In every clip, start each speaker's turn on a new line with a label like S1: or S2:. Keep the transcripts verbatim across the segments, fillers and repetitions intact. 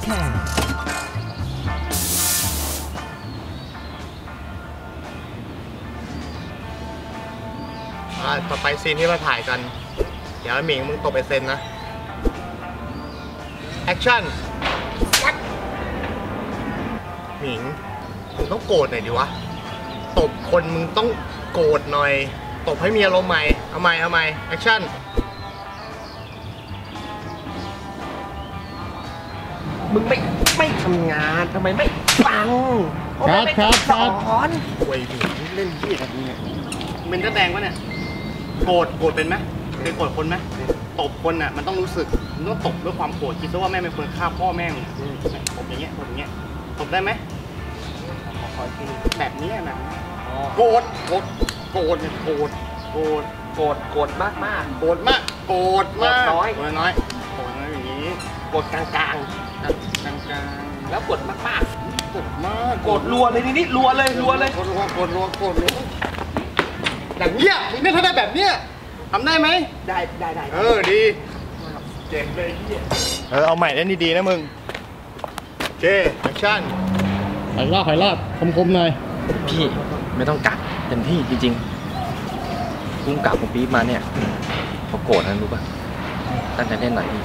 S1: ต่อไปซีนที่มาถ่ายกันเดี๋ยวหมิงมึงตบไปเซนนะแอคชั่นหมิงมึงต้องโกรธหน่อยดิวะตบคนมึงต้องโกรธหน่อยตบให้มีอารมณ์ใหม่เอาใหม่เอาใหม่แอคชั่น
S2: มึงไม่ไม่ทำงานทำไมไม่ฟัง
S3: ครับครับครับ
S1: โวยหมิงเล่นที่แบบนี้เป็นก็แดงวะเนี่ยโกรธโกรธเป็นไหมเคยโกรธคนไหมตบคนอ่ะมันต้องรู้สึกมันต้องตบด้วยความโกรธคิดซะว่าแม่เป็นคนฆ่าพ่อแม่มึงตบอย่างเงี้ยตบอย่างเงี้ยตบได้ไหมแบบนี้แบบโกรธโกรธโกรธเนี่ยโกรธโกรธ
S2: โกรธโกรธมากมาก
S1: โกรธมากโกรธมาก
S2: น้อย
S1: โกรธน้อยโกรธน้อยอย่างนี้
S2: โกรธกลางกลาง
S1: กลางกลาง
S2: แล้วโกรธมากมาก
S1: โกรธมาก
S2: โกรธรัวเลยนี่นี่รัวเลยรัวเลย
S1: โกรธรัวโกรธรัวโกรธรัวอย่างเงี้ยมึงเนี่ยถ้าได้แบบเนี้ยทำได้ไหม
S2: ได้ได้ได้
S1: เออดีเจ๋งเลยเฮียเออเอาใหม่เล่นดีๆนะมึงเจแอคชั่น
S3: หอยรอบหอยรอบคมๆหน่อย
S2: พี่ไม่ต้องกัดเต็มที่จริงๆกุ้งกัดผมปี๊บมาเนี่ยเขาโกรธนะรู้ป่ะตั้งใจเล่นหน่อยพี่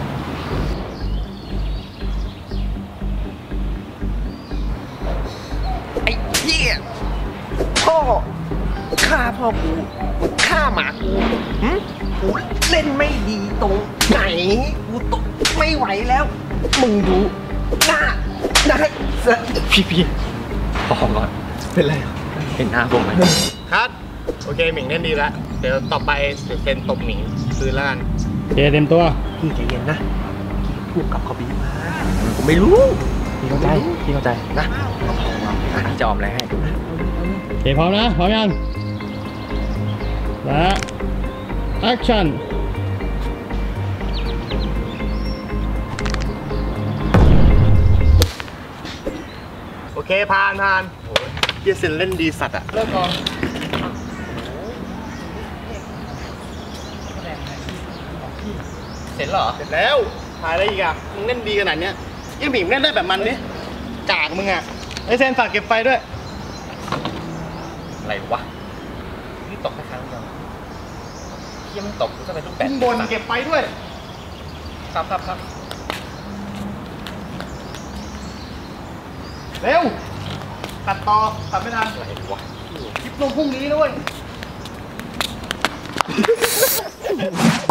S2: ไอ้เหี้ยพ่อฆ่าพ่อกูฆ่าหมากูกูเล่นไม่ดีตรงไหนกูตกไม่ไหวแล้วมึงดูหน้าได้พี่พี่พอก่อนเป็นไรเห็นหน้าผมไหม
S1: ครับโอเคหมิงเล่นดีแล้วเดี๋ยวต่อไปเดี๋ยวเซนตบหมิงคืนแล้วกัน
S3: เจเต็มตัว
S2: พี่ใจเย็นนะพูดกับเขาบีมาผมไม่รู้พี่เข้าใจพี่เข้าใจนะพี่จะออมอะไรให้
S3: เจพร้อมนะพร้อมยังและแอคชั่น
S1: โอเคผ่านผ่านเฮียเซนเล่นดีสัตว์อะเลิกก่อน
S2: เสร็จเหรอ
S1: เสร็จแล้วถ่ายอะไรอีกอะมึงเล่นดีขนาดเนี้ยยังหมิงเล่นได้แบบมันดิกากมึงอะไอเซนฝากเก็บไฟด้วย
S2: อะไรวะนี่ตกแค่ครั้งเดียวเฮียมันตกกูจะไปลูกแบด
S1: บนเก็บไฟด้วย
S2: ครับครับครับ
S1: เร็วตัดต่อตัดไม่ทันอะไรวะคลิปลงพรุ่งนี้ด้วย